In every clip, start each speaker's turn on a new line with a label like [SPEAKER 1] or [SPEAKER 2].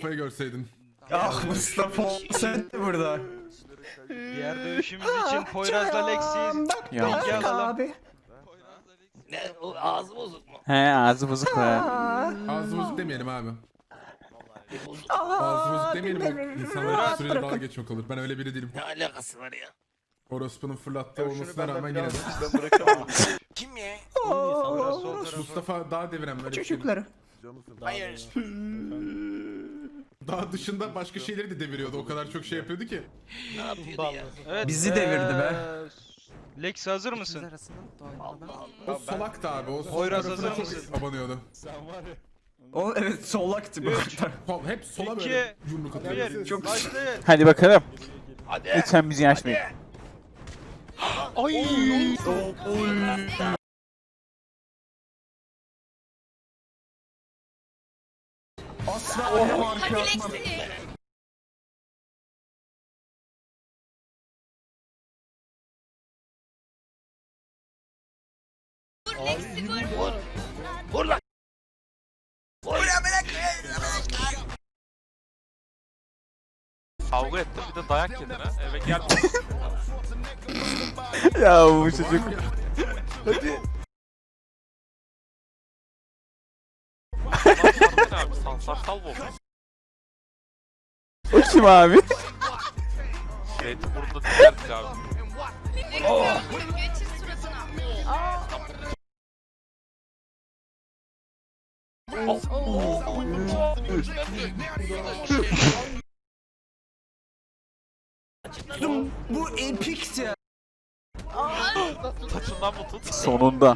[SPEAKER 1] Mustafa'yı görseydin.
[SPEAKER 2] Ah Mustafa sen de burada.
[SPEAKER 3] Diğer dövüşümüz için Poyraz'la Lexi'yiz.
[SPEAKER 4] Ya.
[SPEAKER 3] Bilgi alalım.
[SPEAKER 2] Abi.
[SPEAKER 5] Ne? O ağzı bozuk mu?
[SPEAKER 4] He ağzı bozuk be.
[SPEAKER 1] Ağzı bozuk demeyelim abi.
[SPEAKER 5] Bozuk.
[SPEAKER 1] Ağzı bozuk demeyelim. Bak insanlara sürece dalga geçmek olur. Ben öyle biri değilim.
[SPEAKER 5] Ne alakası var ya?
[SPEAKER 1] Orospu'nun fırlattığı olmasına rağmen yine de.
[SPEAKER 5] Kim ya?
[SPEAKER 3] Poyraz sol tarafı.
[SPEAKER 1] Mustafa dağ deviren böyle bir şey.
[SPEAKER 2] Çocukları.
[SPEAKER 5] Hayır.
[SPEAKER 1] Dağ dışında başka şeyleri de deviriyordu. O kadar çok şey yapıyordu ki.
[SPEAKER 5] Ne yapıyordu ya?
[SPEAKER 3] Evet,
[SPEAKER 2] Bizi devirdi be.
[SPEAKER 3] Lexi hazır mısın?
[SPEAKER 1] O solak da abi. O sol
[SPEAKER 3] Poyraz
[SPEAKER 1] tarafına
[SPEAKER 3] hazır
[SPEAKER 1] çok
[SPEAKER 3] mısın?
[SPEAKER 1] abanıyordu.
[SPEAKER 2] O evet solaktı bu kadar.
[SPEAKER 1] Hep sola
[SPEAKER 3] İki,
[SPEAKER 1] böyle yumruk atıyor.
[SPEAKER 3] Bir,
[SPEAKER 2] Çok-
[SPEAKER 3] başlayın.
[SPEAKER 4] Hadi bakalım.
[SPEAKER 5] Hadi.
[SPEAKER 4] Lütfen bizi açmayın.
[SPEAKER 2] Asla ayağım arkaya atmam.
[SPEAKER 5] Vur. Vur lan. Vur ya bırak.
[SPEAKER 6] Kavga ettim bir de dayak yedin ha. Eve gel.
[SPEAKER 4] Ya bu çocuk.
[SPEAKER 6] Hadi. Abi sansarsal bu.
[SPEAKER 4] O kim abi?
[SPEAKER 6] Zeytinburnu'da dinlerdik abi.
[SPEAKER 7] Geçir suratına.
[SPEAKER 2] Bu epikti.
[SPEAKER 6] Saçından mı tut?
[SPEAKER 4] Sonunda.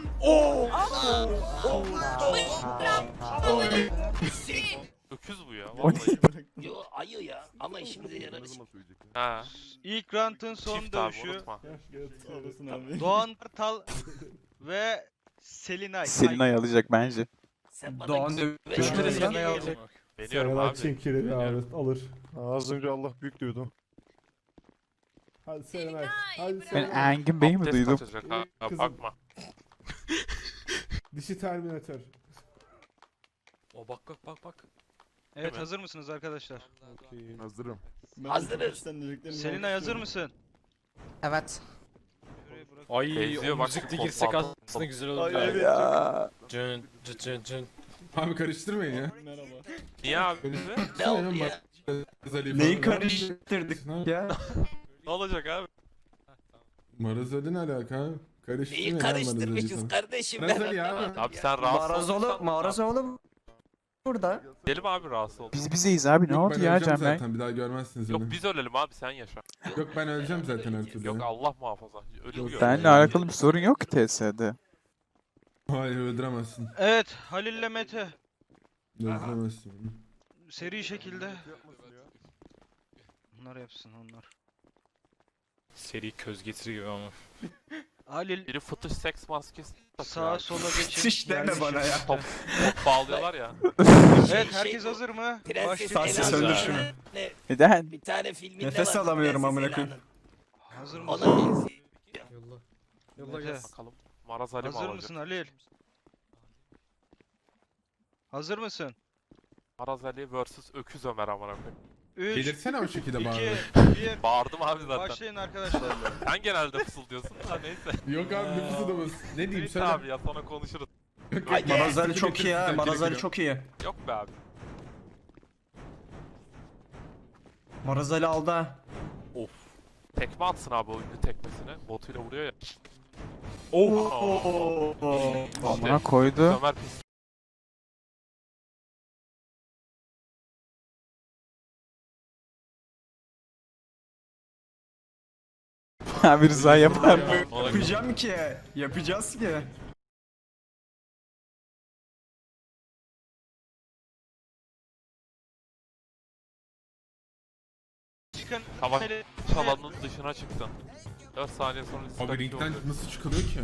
[SPEAKER 6] Öküz bu ya.
[SPEAKER 4] O ne?
[SPEAKER 6] Vallahi.
[SPEAKER 5] Yo ayı ya ama işimize yarar.
[SPEAKER 6] Ha.
[SPEAKER 3] İlk round'un son
[SPEAKER 6] Çift abi
[SPEAKER 3] dövüşü.
[SPEAKER 6] unutma.
[SPEAKER 3] Doğan Kartal ve Selinay.
[SPEAKER 4] Selinay alacak bence.
[SPEAKER 5] Sen bana
[SPEAKER 2] Doğan dövüşleri
[SPEAKER 3] Selinay alacak.
[SPEAKER 6] Deniyorum
[SPEAKER 8] Serenay
[SPEAKER 6] abi.
[SPEAKER 8] Çinkiri
[SPEAKER 6] Deniyorum.
[SPEAKER 8] abi alır. Az önce Allah büyük diyordu. Hadi Serenay. Hadi
[SPEAKER 4] Ben
[SPEAKER 8] Serenay.
[SPEAKER 4] Engin Bey'i mi
[SPEAKER 6] Abdest
[SPEAKER 4] duydum?
[SPEAKER 6] kaçacak ha.
[SPEAKER 8] Kızım.
[SPEAKER 6] Bakma.
[SPEAKER 8] Dişi Terminator.
[SPEAKER 6] O bak.
[SPEAKER 3] Evet
[SPEAKER 6] Evet.
[SPEAKER 3] hazır mısınız arkadaşlar?
[SPEAKER 8] Hazırım.
[SPEAKER 5] Hazırız.
[SPEAKER 3] Selinay hazır mısın?
[SPEAKER 2] Evet.
[SPEAKER 9] Ay
[SPEAKER 6] Benziyor
[SPEAKER 9] o
[SPEAKER 6] bak,
[SPEAKER 9] müzik de
[SPEAKER 6] kol
[SPEAKER 9] girsek
[SPEAKER 6] pantolon.
[SPEAKER 9] aslında güzel olur.
[SPEAKER 4] Ya.
[SPEAKER 9] Cın cın cın cın.
[SPEAKER 1] Abi karıştırmayın ya.
[SPEAKER 6] Niye abi?
[SPEAKER 5] Ne oldu ya?
[SPEAKER 2] Neyi karıştırdık ya?
[SPEAKER 6] Ne olacak abi?
[SPEAKER 1] Marazali ne alaka? Karıştırmayın
[SPEAKER 5] Neyi
[SPEAKER 1] ya
[SPEAKER 5] karıştırmışız
[SPEAKER 1] Marazali'yi
[SPEAKER 5] kardeşim
[SPEAKER 1] Marazali
[SPEAKER 5] ben.
[SPEAKER 1] ya.
[SPEAKER 6] Abi sen rahatsız
[SPEAKER 2] Marazoğlu,
[SPEAKER 6] olursan-
[SPEAKER 2] Marazoğlu burada.
[SPEAKER 6] Gidelim abi rahatsız ol.
[SPEAKER 4] Biz bizeyiz abi ne
[SPEAKER 1] Yok,
[SPEAKER 4] oldu
[SPEAKER 1] ben
[SPEAKER 4] ya
[SPEAKER 1] öleceğim
[SPEAKER 4] Can Bey?
[SPEAKER 1] zaten bir daha görmezsiniz
[SPEAKER 6] Yok
[SPEAKER 1] beni.
[SPEAKER 6] biz ölelim abi sen yaşa.
[SPEAKER 1] Yok ben öleceğim zaten her türlü.
[SPEAKER 6] Yok
[SPEAKER 1] ya.
[SPEAKER 6] Allah muhafaza. Ölüm
[SPEAKER 4] Benle alakalı bir sorun yok ki TS'de.
[SPEAKER 1] Hayır öldüremezsin.
[SPEAKER 3] Evet Halil'le Mete.
[SPEAKER 1] Öldüremezsin.
[SPEAKER 3] Seri şekilde. Onlar yapsın onlar.
[SPEAKER 9] Seri köz getiri gibi ama.
[SPEAKER 3] Halil
[SPEAKER 6] Biri fıtış seks maskesi takıyor
[SPEAKER 3] sağa
[SPEAKER 6] abi.
[SPEAKER 3] sola geçin.
[SPEAKER 2] Şiş deme bana ya.
[SPEAKER 6] Top bağlıyorlar ya.
[SPEAKER 3] Evet herkes hazır mı?
[SPEAKER 5] Prenses
[SPEAKER 2] Tahsis
[SPEAKER 5] Ela'nın
[SPEAKER 2] öldür şunu.
[SPEAKER 5] ne-
[SPEAKER 4] Neden?
[SPEAKER 5] Bir tane filminde
[SPEAKER 2] Nefes
[SPEAKER 5] var,
[SPEAKER 2] alamıyorum
[SPEAKER 5] Prenses
[SPEAKER 2] amına koyayım.
[SPEAKER 5] Ela'nın.
[SPEAKER 3] Hazır
[SPEAKER 5] Ona
[SPEAKER 3] mısın?
[SPEAKER 5] benziyor.
[SPEAKER 3] Mete,
[SPEAKER 6] Bakalım. Maraz Ali mi
[SPEAKER 3] hazır
[SPEAKER 6] alacak?
[SPEAKER 3] mısın Halil? Hazır mısın?
[SPEAKER 6] Maraz Ali vs Öküz Ömer amına koyayım.
[SPEAKER 3] 3,
[SPEAKER 1] Gelirsene o şekilde
[SPEAKER 3] 2,
[SPEAKER 1] bari.
[SPEAKER 3] 1.
[SPEAKER 6] Bağırdım abi zaten.
[SPEAKER 3] Başlayın arkadaşlar.
[SPEAKER 6] Sen genelde fısıldıyorsun da neyse.
[SPEAKER 1] Yok abi nüfusu adamız. Ne diyeyim
[SPEAKER 6] Neyse
[SPEAKER 1] söyle.
[SPEAKER 6] abi ya sonra konuşuruz.
[SPEAKER 5] Haydi.
[SPEAKER 2] Marazali çok iyi ha. Marazali çok iyi.
[SPEAKER 6] Yok be abi.
[SPEAKER 2] Marazali aldı ha.
[SPEAKER 6] Of. Tekme atsın abi o ünlü tekmesine. Botuyla vuruyor ya.
[SPEAKER 4] Amına koydu.
[SPEAKER 6] Ömer pis.
[SPEAKER 4] Abi Rıza yapar mı?
[SPEAKER 6] Ona
[SPEAKER 2] Yapacağım ki. Yapacağız ki.
[SPEAKER 3] Çıkın.
[SPEAKER 6] Savaş alanının dışına çıktın. 4 saniye sonra
[SPEAKER 1] Abi
[SPEAKER 6] diskalifiye
[SPEAKER 1] ringden
[SPEAKER 6] oluyor.
[SPEAKER 1] nasıl çıkılıyor ki?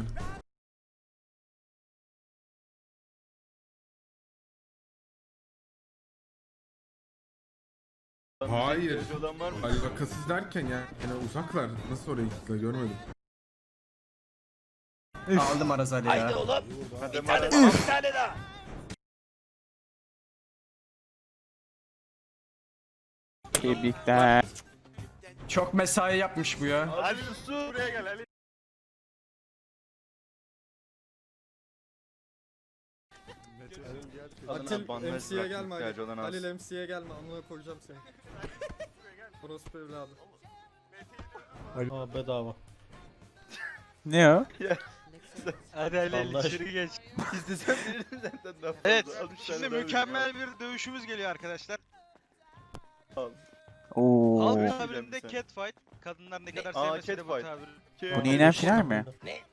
[SPEAKER 1] Hayır. Alakasız derken ya. Yani uzaklar. Nasıl oraya gittiler görmedim.
[SPEAKER 2] Aldı Marazali
[SPEAKER 5] Haydi
[SPEAKER 2] ya.
[SPEAKER 5] oğlum. Bir tane daha. Bir tane daha.
[SPEAKER 4] Tebrikler.
[SPEAKER 2] Çok mesai yapmış bu ya.
[SPEAKER 8] Ali su. Buraya gel Ali.
[SPEAKER 5] Atil MC'ye gelme Ali. Halil MC'ye gelme. Amına koyacağım seni. Orospu evladı.
[SPEAKER 9] Aa bedava.
[SPEAKER 4] Ne o?
[SPEAKER 3] Hadi Ali
[SPEAKER 9] Allah
[SPEAKER 3] içeri geç.
[SPEAKER 8] İstesem veririm zaten. daha fazla.
[SPEAKER 3] Evet.
[SPEAKER 8] Al üç
[SPEAKER 3] Şimdi
[SPEAKER 8] tane daha
[SPEAKER 3] mükemmel bir dövüşümüz geliyor arkadaşlar.
[SPEAKER 4] Oo.
[SPEAKER 3] Halk
[SPEAKER 8] Evet.
[SPEAKER 3] tabirinde
[SPEAKER 8] Sen.
[SPEAKER 3] catfight. Kadınlar ne kadar
[SPEAKER 8] Aa,
[SPEAKER 3] sevmese de bu
[SPEAKER 8] catfight.
[SPEAKER 3] tabiri.
[SPEAKER 8] veririm.
[SPEAKER 4] Bu neyden firar mi?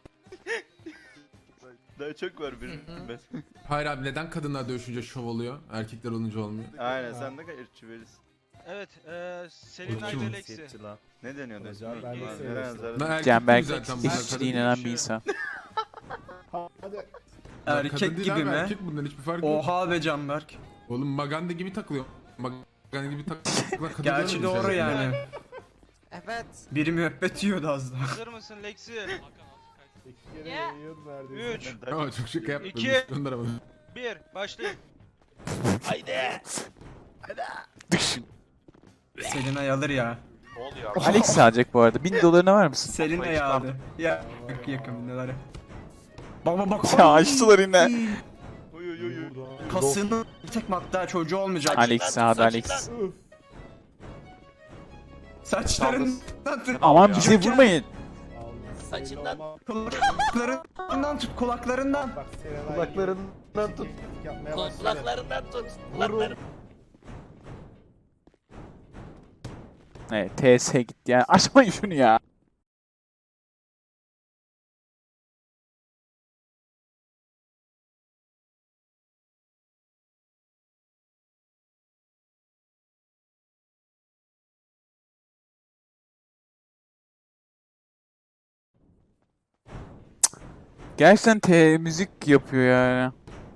[SPEAKER 8] Daha çok var benim bilmez.
[SPEAKER 1] Hayır abi neden kadınlar dövüşünce şov oluyor? Erkekler olunca olmuyor.
[SPEAKER 8] Aynen sen ne kadar ırkçı verirsin.
[SPEAKER 3] Evet. Selin
[SPEAKER 1] Kim?
[SPEAKER 3] ile Lexi.
[SPEAKER 8] Ne deniyordu ismi?
[SPEAKER 5] Ben de
[SPEAKER 8] Neden
[SPEAKER 5] seviyorum.
[SPEAKER 8] zaten?
[SPEAKER 1] Ben erkek
[SPEAKER 4] Canberk
[SPEAKER 1] gibi zaten bunlar, kadın
[SPEAKER 4] eşitliğine
[SPEAKER 1] değil.
[SPEAKER 4] inanan bir insan.
[SPEAKER 1] Bunlar
[SPEAKER 2] Erkek
[SPEAKER 1] kadın değil
[SPEAKER 2] gibi
[SPEAKER 1] abi,
[SPEAKER 2] mi?
[SPEAKER 1] Erkek bundan hiçbir fark yok.
[SPEAKER 2] Oha be Canberk.
[SPEAKER 1] Oğlum Maganda gibi takılıyor. Maganda gibi takılıyor.
[SPEAKER 2] Gerçi doğru yani.
[SPEAKER 5] Evet.
[SPEAKER 2] Biri müebbet yiyordu az daha.
[SPEAKER 3] Hazır mısın Lexi?
[SPEAKER 5] Yeah.
[SPEAKER 3] 3,
[SPEAKER 1] Ama çok şaka yaptım.
[SPEAKER 3] İki.
[SPEAKER 1] Gönder ama.
[SPEAKER 3] 1, başlayın.
[SPEAKER 4] Düşün.
[SPEAKER 2] Selinay alır ya.
[SPEAKER 6] Ne oluyor abi?
[SPEAKER 4] Alex alacak bu arada. 1000 dolarına var mısın?
[SPEAKER 2] Selinay aldı. Ya yakın neler. Bak bak.
[SPEAKER 4] Ya açtılar yine.
[SPEAKER 8] Oy oy oy oy.
[SPEAKER 2] Kasını tek hatta çocuğu olmayacak.
[SPEAKER 4] Alex sağda Alex.
[SPEAKER 2] Saçlarından tut.
[SPEAKER 4] Aman bize vurmayın.
[SPEAKER 2] Kulaklarından tut kulaklarından.
[SPEAKER 5] Kulaklarından tut.
[SPEAKER 4] Evet TS gitti yani. Açmayın şunu ya. Gerçekten müzik yapıyor yani.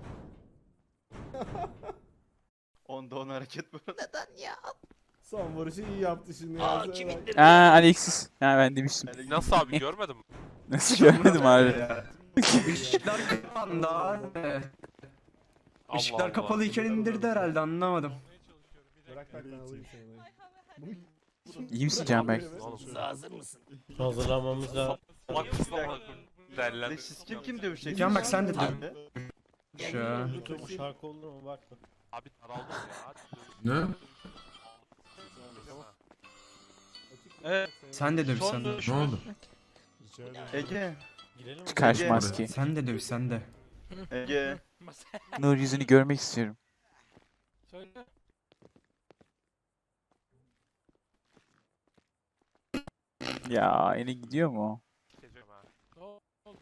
[SPEAKER 8] Onda 10 hareket bu.
[SPEAKER 5] Son vuruşu iyi yaptı şimdi. Aa,
[SPEAKER 4] Aa Alexis. Ha ben demiştim.
[SPEAKER 6] Nasıl abi görmedin mi?
[SPEAKER 4] Nasıl görmedim abi.
[SPEAKER 2] Işıklar kapandı abi.
[SPEAKER 6] Allah
[SPEAKER 2] Işıklar
[SPEAKER 6] Allah.
[SPEAKER 2] kapalıyken indirdi herhalde anlamadım.
[SPEAKER 5] Bırak bak ben alayım seni.
[SPEAKER 4] İyi misin Canberk?
[SPEAKER 6] Oğlum.
[SPEAKER 9] Hazırlanmamız lazım.
[SPEAKER 6] Bak kızlama. Derler.
[SPEAKER 8] Siz kim dövüşecek?
[SPEAKER 2] Can bak sen de
[SPEAKER 8] Abi.
[SPEAKER 2] Şu.
[SPEAKER 9] Bu şarkı olur mu bak.
[SPEAKER 6] Abi daraldım ya. Hadi.
[SPEAKER 1] Ne?
[SPEAKER 3] Evet.
[SPEAKER 2] Sen de döv
[SPEAKER 3] Son
[SPEAKER 2] sen de.
[SPEAKER 3] dövüş.
[SPEAKER 1] Ne oldu?
[SPEAKER 8] Ege.
[SPEAKER 9] Girelim mi?
[SPEAKER 4] Çıkar şu
[SPEAKER 8] Ege.
[SPEAKER 4] maskeyi.
[SPEAKER 2] Sen de döv sen de.
[SPEAKER 8] Ege.
[SPEAKER 4] Nur yüzünü görmek istiyorum.
[SPEAKER 6] Söyle.
[SPEAKER 4] Ya yine gidiyor mu?
[SPEAKER 6] Gideceğim ha. Ne oldu?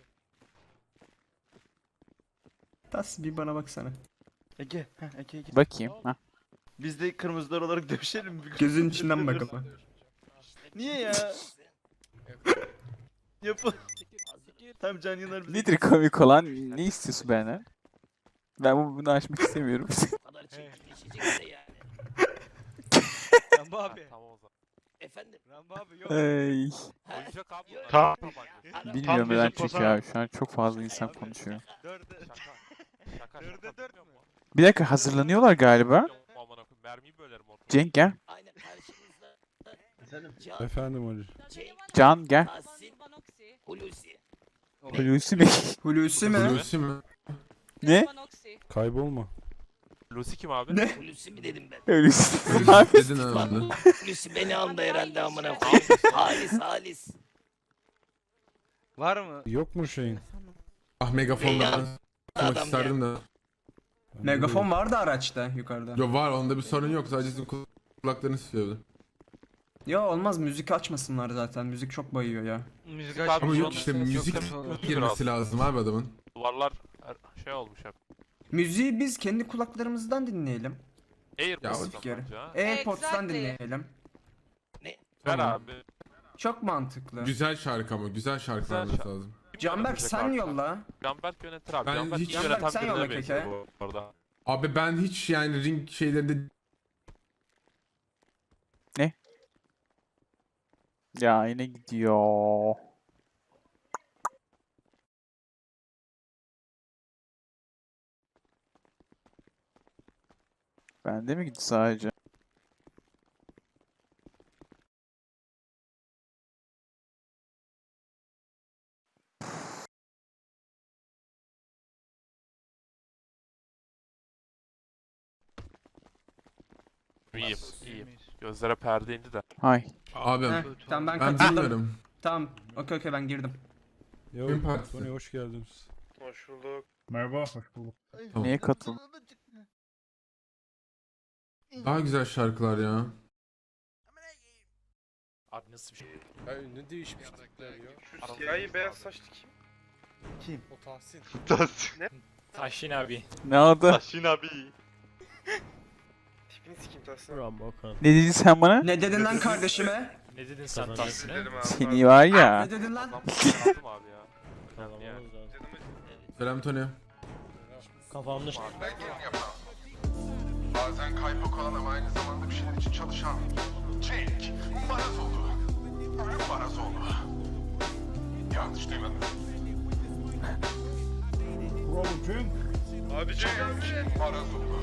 [SPEAKER 2] Tas bir bana baksana.
[SPEAKER 8] Ege. Heh, Ege.
[SPEAKER 4] Bakayım. Ha.
[SPEAKER 8] Biz de kırmızılar olarak dövüşelim mi?
[SPEAKER 2] Gözün içinden bakalım.
[SPEAKER 8] Niye ya? Yapın. Tam Can Yanar bize.
[SPEAKER 4] Nedir komik olan? Ne istiyorsun benden? Ben bunu açmak istemiyorum.
[SPEAKER 3] Rambo abi.
[SPEAKER 6] Tamam o zaman.
[SPEAKER 3] Rambo abi yok.
[SPEAKER 4] Ay.
[SPEAKER 6] Oyuncak abi. bunlar.
[SPEAKER 9] Tamam.
[SPEAKER 6] Tabanca.
[SPEAKER 4] Bilmiyorum
[SPEAKER 9] bizim
[SPEAKER 4] neden çünkü
[SPEAKER 9] poza.
[SPEAKER 4] abi. Şu an çok fazla insan konuşuyor.
[SPEAKER 3] Dörde.
[SPEAKER 6] Şaka.
[SPEAKER 3] Dörde dört mü?
[SPEAKER 4] Bir dakika hazırlanıyorlar galiba.
[SPEAKER 6] Amına koyayım, mermiyi bölerim ortalığa.
[SPEAKER 4] Cenk gel.
[SPEAKER 8] Efendim Ali.
[SPEAKER 4] Can gel. Hulusi mi?
[SPEAKER 2] Hulusi mi?
[SPEAKER 1] Hulusi mi?
[SPEAKER 4] Ne?
[SPEAKER 8] Kaybolma.
[SPEAKER 6] Lucy kim abi?
[SPEAKER 2] Ne?
[SPEAKER 7] Hulusi mi dedim ben?
[SPEAKER 4] Hulusi.
[SPEAKER 1] Hulusi dedin herhalde.
[SPEAKER 7] Hulusi beni andı herhalde amına koyayım. Halis.
[SPEAKER 3] Var mı?
[SPEAKER 8] Yok mu şeyin?
[SPEAKER 1] Ah megafonla
[SPEAKER 7] Adam
[SPEAKER 1] konuşmak isterdim de.
[SPEAKER 2] Megafon vardı araçta yukarıda.
[SPEAKER 1] Yo var onda bir sorun yok sadece sizin kulaklarınız istiyordu.
[SPEAKER 2] Ya olmaz müzik açmasınlar zaten. Müzik çok bayıyor ya.
[SPEAKER 3] Müzik
[SPEAKER 6] Ama
[SPEAKER 3] açmış
[SPEAKER 1] Ama yok
[SPEAKER 3] olması
[SPEAKER 1] işte
[SPEAKER 3] çok
[SPEAKER 1] müzik
[SPEAKER 3] kötü olur.
[SPEAKER 1] girmesi lazım abi adamın.
[SPEAKER 6] Duvarlar şey olmuş hep.
[SPEAKER 2] Müziği biz kendi kulaklarımızdan dinleyelim.
[SPEAKER 6] Airpods'tan
[SPEAKER 2] Müzik yeri.
[SPEAKER 6] bence ha.
[SPEAKER 2] AirPods'tan dinleyelim.
[SPEAKER 6] Ver
[SPEAKER 2] Tamam.
[SPEAKER 6] abi.
[SPEAKER 2] Çok mantıklı.
[SPEAKER 1] Güzel şarkı ama güzel şarkı
[SPEAKER 6] Güzel
[SPEAKER 1] vermesi
[SPEAKER 6] şarkı.
[SPEAKER 1] lazım.
[SPEAKER 2] Canberk sen yolla.
[SPEAKER 6] Canberk yönetir abi.
[SPEAKER 1] Ben
[SPEAKER 6] Canberk
[SPEAKER 1] hiç-
[SPEAKER 6] hiç
[SPEAKER 2] Canberk,
[SPEAKER 6] yöneten
[SPEAKER 2] sen
[SPEAKER 6] birine
[SPEAKER 2] yolla
[SPEAKER 6] benziyor
[SPEAKER 2] keke.
[SPEAKER 6] bu arada.
[SPEAKER 1] Abi ben hiç yani ring şeylerinde
[SPEAKER 4] Ya yine gidiyor. Bende mi gitti sadece?
[SPEAKER 6] iyiyim, iyiyim. Gözlere perde indi de.
[SPEAKER 4] Hay.
[SPEAKER 1] Abi
[SPEAKER 2] Heh, tamam ben
[SPEAKER 1] ben
[SPEAKER 2] katıldım.
[SPEAKER 1] bilmiyorum.
[SPEAKER 2] Tamam. Okey ben girdim.
[SPEAKER 8] Yo,
[SPEAKER 1] Gün partisi.
[SPEAKER 8] Tony hoş geldiniz.
[SPEAKER 6] Hoş bulduk.
[SPEAKER 8] Merhaba, hoş bulduk.
[SPEAKER 1] Tamam.
[SPEAKER 4] Niye katıldın?
[SPEAKER 1] Daha güzel şarkılar ya.
[SPEAKER 6] Abi nasıl bir şey?
[SPEAKER 9] Ya ünlü değişmişlikler ya.
[SPEAKER 6] Şu siyahi beyaz saçlı kim?
[SPEAKER 9] O Tahsin.
[SPEAKER 6] Tahsin. Ne?
[SPEAKER 9] Tahsin abi.
[SPEAKER 4] Ne oldu?
[SPEAKER 6] Tahsin abi. Tipini sikeyim Tahsin.
[SPEAKER 9] Rambo Okan.
[SPEAKER 4] Ne dedin sen bana?
[SPEAKER 2] Ne dedin lan kardeşime?
[SPEAKER 9] Ne dedin sen Tahsin'e?
[SPEAKER 6] Dedim abi.
[SPEAKER 4] Seni var ya.
[SPEAKER 2] Ne dedin lan?
[SPEAKER 6] Adam aldım abi ya.
[SPEAKER 9] Kazanmamız
[SPEAKER 6] Yani.
[SPEAKER 9] lazım.
[SPEAKER 1] Selam Tony.
[SPEAKER 9] Kafamda
[SPEAKER 1] Bazen kaypak olan ama aynı zamanda bir şeyler için çalışan Cenk Marazoğlu. Ölüm Marazoğlu. Yanlış duymadın.
[SPEAKER 8] Bravo Cenk.
[SPEAKER 6] Abi
[SPEAKER 1] Cenk Marazoğlu.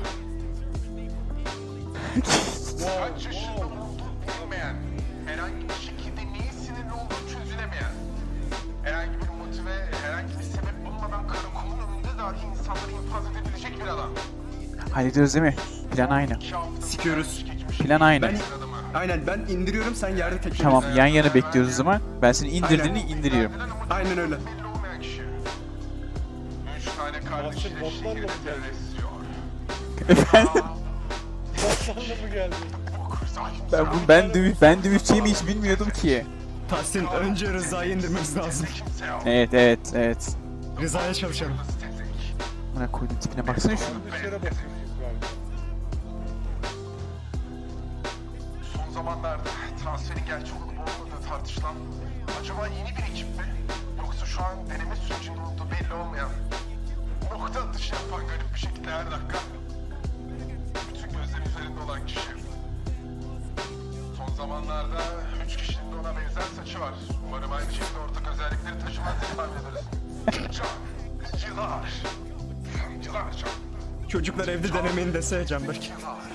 [SPEAKER 1] Kaç yaşında olduğu bilinmeyen, herhangi bir şekilde niye sinirli olduğu çözülemeyen, herhangi bir motive, herhangi bir sebep bulmadan karakolun önünde dahi insanları infaz edebilecek bir adam.
[SPEAKER 4] Hallediyoruz değil mi? Plan aynı.
[SPEAKER 2] Sikiyoruz.
[SPEAKER 4] Plan aynı.
[SPEAKER 2] Ben aynen ben indiriyorum sen yerde tekliyorsun.
[SPEAKER 4] Tamam yan yana bekliyoruz o zaman. Ben seni indirdiğini indiriyorum.
[SPEAKER 2] Aynen öyle.
[SPEAKER 1] Belli olmayan kişi. 3 tane kardeşiyle
[SPEAKER 9] botlarla mı
[SPEAKER 1] şehirde
[SPEAKER 9] geldi?
[SPEAKER 1] terörist yiyor.
[SPEAKER 4] Efendim?
[SPEAKER 9] Botlarla mı geldi?
[SPEAKER 4] Ben dövüşeceğimi hiç bilmiyordum ki.
[SPEAKER 2] Tahsin önce Rıza'yı indirmemiz lazım.
[SPEAKER 4] Evet.
[SPEAKER 2] Rıza'ya çalışalım.
[SPEAKER 4] Bana koydum tipine baksana şunu.
[SPEAKER 9] Dışarı bakıyoruz galiba.
[SPEAKER 1] Son zamanlarda transferin gerçek olup olmadığı tartışılan acaba yeni bir ekip mi? Yoksa şu an deneme sürecinde olduğu belli olmayan nokta atışı yapan garip bir şekilde her dakika bütün gözler üzerinde olan kişi. Son zamanlarda 3 kişinin de ona benzer saçı var. Umarım aynı şekilde ortak özellikleri taşımaz diye tahmin ederiz. Yıllar can.
[SPEAKER 2] Çocuklar evde denemeyin dese Canberk.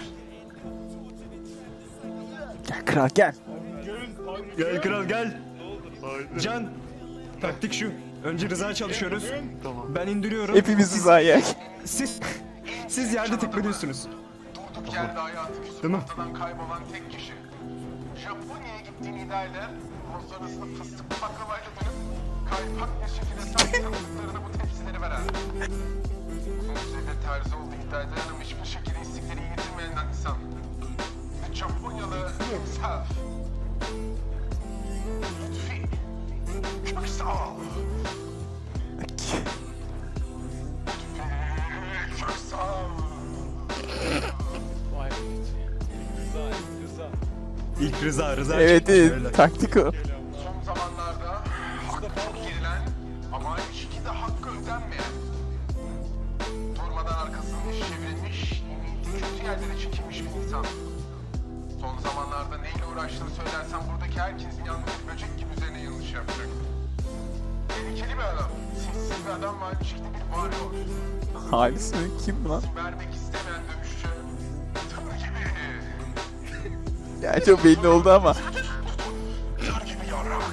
[SPEAKER 4] Gel kral gel.
[SPEAKER 2] Gel kral gel. Can. Taktik şu. Önce Rıza'ya çalışıyoruz. Ben indiriyorum.
[SPEAKER 4] Hepimiz hizaya.
[SPEAKER 2] Siz yerde tekmeliyorsunuz.
[SPEAKER 1] Durduk yerde hayatı küsüp
[SPEAKER 2] Değil mi?
[SPEAKER 1] ortadan kaybolan tek kişi. Japonya'ya gittiğini iddia eder. Ondan sonrasında fıstıklı baklavayla dönüp kaypak bir şekilde sahip tanıdıklarına bu tepsileri veren. Uzun süredir terzi olduğu iddia edilen ama hiçbir şekilde istikleri yitirmeyen insan. Ve Japonyalı himself. Lütfi. Köksal. Lütfi. Köksal.
[SPEAKER 9] Vay be. Rıza.
[SPEAKER 2] İlk Rıza
[SPEAKER 4] Evet
[SPEAKER 2] çıkmış böyle.
[SPEAKER 4] taktik o.
[SPEAKER 1] Son zamanlarda hakkı çok yerilen ama aynı şekilde hakkı ödenmeyen, durmadan arkasını iş çevrilmiş, kötü yerlere çekilmiş bir insan. Son zamanlarda neyle uğraştığını söylersen buradaki herkesin yalnız bir böcek gibi üzerine yanlış yapacak. Tehlikeli bir adam, sinsiz bir adam ve aynı şekilde bir varlığı.
[SPEAKER 4] Halis mi? Kim bu lan?
[SPEAKER 1] Vermek istemeyen dövüşçü, tır gibi.
[SPEAKER 4] Ya çok belli oldu ama.
[SPEAKER 1] Tır gibi yarrak.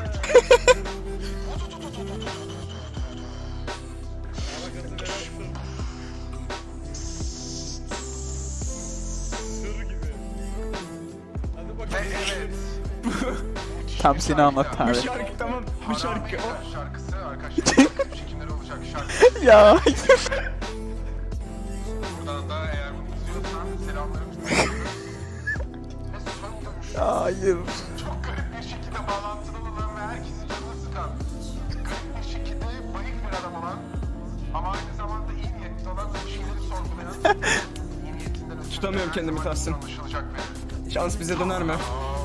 [SPEAKER 1] Ve evet.
[SPEAKER 4] Tam seni anlattı
[SPEAKER 2] Bu
[SPEAKER 4] abi.
[SPEAKER 2] şarkı tamam. Bu şarkı.
[SPEAKER 1] Haram şarkısı arkadaşlar. Çekimleri olacak şarkı.
[SPEAKER 4] Ya.
[SPEAKER 1] Buradan da eğer bunu izliyorsan selamlarımızı iletiyoruz. Ve son dövüş.
[SPEAKER 4] Hayır.
[SPEAKER 1] Çok garip bir şekilde bağlantılı olan ve herkesin canını sıkan. Garip bir şekilde bayık bir adam olan ama aynı zamanda iyi niyetli olan ve bir şeyleri sorgulayan. İyi niyetinden ötürü
[SPEAKER 2] Tutamıyorum
[SPEAKER 1] her
[SPEAKER 2] kendimi
[SPEAKER 1] zaman
[SPEAKER 2] Tahsin.
[SPEAKER 1] anlaşılacak ve
[SPEAKER 2] Şans bize döner mi?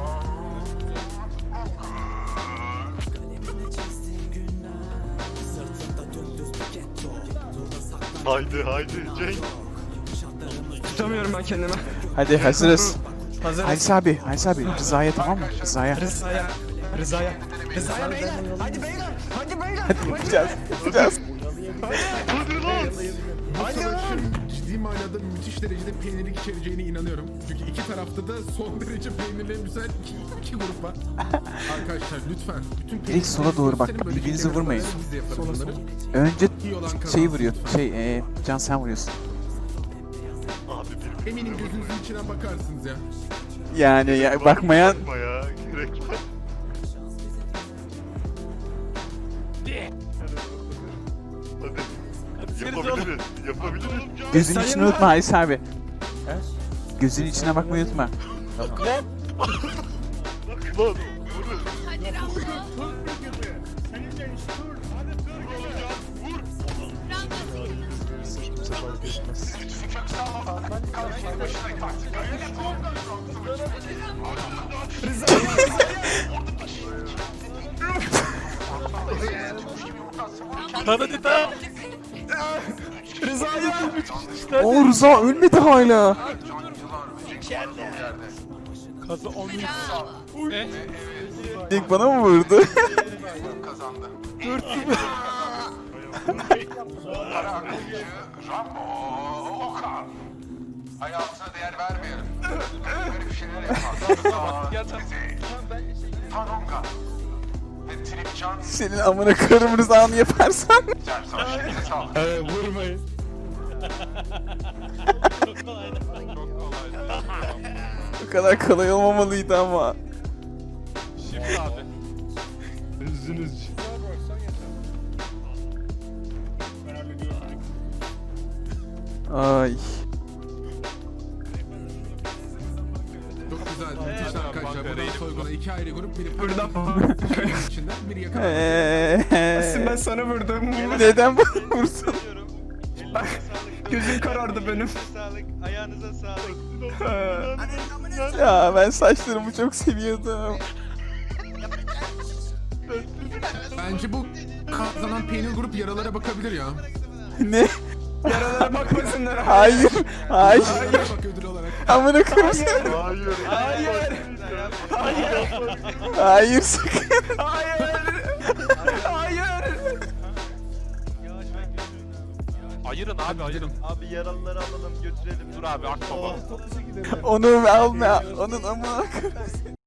[SPEAKER 6] Haydi Cenk.
[SPEAKER 2] Tutamıyorum ben kendimi.
[SPEAKER 4] Hadi hazırız.
[SPEAKER 2] Hazırız.
[SPEAKER 4] Halis abi Rıza'ya tamam mı? Rıza'ya.
[SPEAKER 2] Rıza'ya beyler. Hadi beyler. Hadi beyler.
[SPEAKER 4] Yapacağız.
[SPEAKER 1] ciddi manada müthiş derecede peynirlik içereceğine inanıyorum. Çünkü iki tarafta da son derece peynirli güzel iki grup var. Arkadaşlar lütfen bütün
[SPEAKER 4] Direkt sola doğru bak,
[SPEAKER 1] gösterin, böyle
[SPEAKER 4] birbirinizi
[SPEAKER 1] şekilde
[SPEAKER 4] vurmayın.
[SPEAKER 1] biz de yaparız bunları.
[SPEAKER 4] Önce
[SPEAKER 1] İyi olan kazansın.
[SPEAKER 4] şeyi vuruyor. Can sen vuruyorsun.
[SPEAKER 6] Abi bir
[SPEAKER 1] Eminim gözünüzün içine bakarsınız ya.
[SPEAKER 4] Yani ya, bakmayan
[SPEAKER 8] Bakma ya. Gerek var. Hadi. Yapabiliriz. Yapabiliriz.
[SPEAKER 4] gözün içini unutma Halis abi. Gözün içine bakmayı unutma.
[SPEAKER 8] Lan. Vur.
[SPEAKER 10] Hadi Rambo.
[SPEAKER 4] O Rıza ölmedi hala. İlk bana mı vurdu?
[SPEAKER 1] Kazandı. Para akıncı Rambo Okan. Hayatına değer vermeyelim. Böyle bir şeyler yapar. Tanonga. Ve Tripcan.
[SPEAKER 4] Senin amına koyarım Rıza'nı yaparsan.
[SPEAKER 1] Sersan şimdi sağ ol.
[SPEAKER 9] Vurmayın.
[SPEAKER 6] Çok kolaydı.
[SPEAKER 4] Bu kadar kolay olmamalıydı ama.
[SPEAKER 6] Şimdi abi.
[SPEAKER 8] Üzünüz.
[SPEAKER 4] Ay.
[SPEAKER 1] Çok güzel. Müthiş arkadaşlar. Buradan soyguna 2 ayrı grup. Biri
[SPEAKER 2] Buradan
[SPEAKER 1] içinden biri yakın.
[SPEAKER 2] ben sana vurdum.
[SPEAKER 4] Neden bana vursun?
[SPEAKER 2] Gözüm karardı benim.
[SPEAKER 3] Elinize sağlık. Ayağınıza sağlık.
[SPEAKER 4] Ya ben saçlarımı çok seviyordum.
[SPEAKER 1] Bence bu kazanan peynir grup yaralara bakabilir ya.
[SPEAKER 4] Ne?
[SPEAKER 2] Yaralara bakmasınlar.
[SPEAKER 4] Hayır. Hayır.
[SPEAKER 1] Bak ödül olarak.
[SPEAKER 4] Amına koyayım.
[SPEAKER 8] Hayır.
[SPEAKER 2] Hayır.
[SPEAKER 4] Hayır sakın.
[SPEAKER 2] Hayır. Hayır.
[SPEAKER 3] Yavaş ben götürün.
[SPEAKER 6] Ayırın abi ayırın.
[SPEAKER 3] Abi yaralıları alalım götürelim.
[SPEAKER 6] Dur abi akbaba.
[SPEAKER 4] Onu alma. Onun amına koyayım.